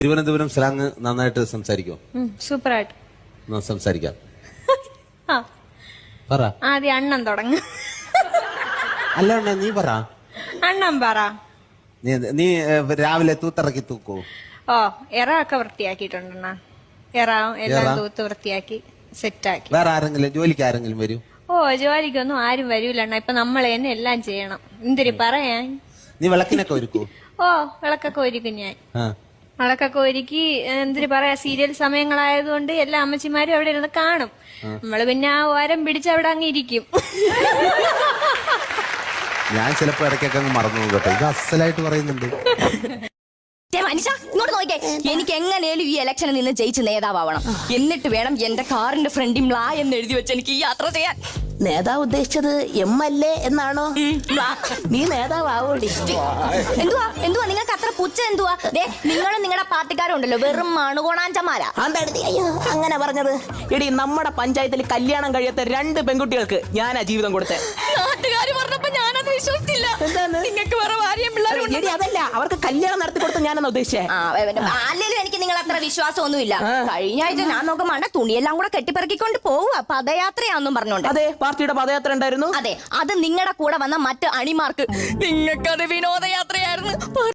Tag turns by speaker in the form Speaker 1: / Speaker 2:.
Speaker 1: Thiruvananthapuram slang നന്നായിട്ട് സംസാരിക്കോ?
Speaker 2: സൂപ്പറായിട്ട്
Speaker 1: സംസാരിക്കാം.
Speaker 2: ആ
Speaker 1: പറ.
Speaker 2: ആദ്യം അണ്ണൻ തുടങ്ങ.
Speaker 1: അല്ല നീ പറ.
Speaker 2: അണ്ണൻ പറ.
Speaker 1: നീ രാവിലെ തൂത്തിറക്കി തൂക്കോ?
Speaker 2: ഓ എറ ഒക്കെ വൃത്തിയാക്കിയിട്ടുണ്ടെണ്ണ. എറ എല്ലാം തൂത്ത് വൃത്തിയാക്കി സെറ്റാക്കി.
Speaker 1: വേറെ ആരെങ്കിലും ജോലിക്ക് ആരെങ്കിലും വരൂ?
Speaker 2: ഓ ജോലിക്കൊന്നും ആരും വരൂലണ്ണ. ഇപ്പൊ നമ്മളെ തന്നെ എല്ലാം ചെയ്യണം. എന്തിരി പറയാൻ.
Speaker 1: നീ വിളക്കിനൊക്കെ ഒരുക്കൂ?
Speaker 2: ഓ വിളക്കൊക്കെ ഒരുക്കും ഞാൻ. വിളക്കൊക്കെ ഒരുക്കി എന്തിരി പറയാ, സീരിയൽ സമയങ്ങളായതുകൊണ്ട് എല്ലാ അമ്മച്ചിമാരും അവിടെ ഇരുന്ന് കാണും. നമ്മള് പിന്നെ ആ ഓരം പിടിച്ച് അവിടെ അങ്ങ് ഇരിക്കും.
Speaker 1: ഞാൻ ചിലപ്പോ ഇടയ്ക്കൊക്കെ അങ്ങ് മറന്നു കേട്ടോ. ഇത് അസലായിട്ട് പറയുന്നുണ്ട്.
Speaker 3: മനുഷ്യ ഇങ്ങോട്ട് നോക്കിയേ, എനിക്ക് എങ്ങനെയാലും ഈ ഇലക്ഷനിൽ നിന്ന് ജയിച്ച് നേതാവണം. എന്നിട്ട് വേണം എന്റെ കാറിന്റെ ഫ്രണ്ടിൽ മ്ലാ എന്ന് എഴുതി വെച്ച് എനിക്ക് ഈ യാത്ര ചെയ്യാൻ.
Speaker 4: നേതാവ് ഉദ്ദേശിച്ചത് MLA എന്നാണോ? നീ നേതാവോടി?
Speaker 3: എന്തുവാ എന്തുവാ നിങ്ങൾക്ക് അത്ര പുച്ഛ? എന്തുവാ നിങ്ങളും നിങ്ങളുടെ പാർട്ടിക്കാരും ഉണ്ടല്ലോ വെറും മണുകോണാഞ്ചന്മാരാ.
Speaker 4: അയ്യോ അങ്ങനെ പറഞ്ഞത്? എടി നമ്മുടെ പഞ്ചായത്തിൽ കല്യാണം കഴിയാത്ത 2 പെൺകുട്ടികൾക്ക് ഞാനാ ജീവിതം കൊടുത്തേ.
Speaker 3: നാട്ടുകാര് പറഞ്ഞപ്പോ ഞാനത് വിശ്വസിച്ചില്ല. നിങ്ങൾക്ക് വേറെ ഭാര്യയും പിള്ളേരും.
Speaker 4: എടി അതല്ല, അവർക്ക് കല്യാണം നടത്തി കൊടുത്ത ഞാനെന്ന് ഉദ്ദേശിച്ചേ.
Speaker 3: അല്ലെങ്കിലും എനിക്ക് നിങ്ങൾ അത്ര വിശ്വാസമൊന്നുമില്ല. കഴിഞ്ഞ ആഴ്ച ഞാൻ നോക്കുമ്പോ തുണിയെല്ലാം കൂടെ കെട്ടിപ്പറക്കിക്കൊണ്ട് പോവുക പദയാത്രയാന്നും പറഞ്ഞോണ്ട്.
Speaker 4: അതെ, പാർട്ടിയുടെ പദയാത്ര ഉണ്ടായിരുന്നു.
Speaker 3: അതെ, അത് നിങ്ങളുടെ കൂടെ വന്ന മറ്റ് അണിമാർക്ക്. നിങ്ങൾക്കത് വിനോദയാത്രയായിരുന്നു.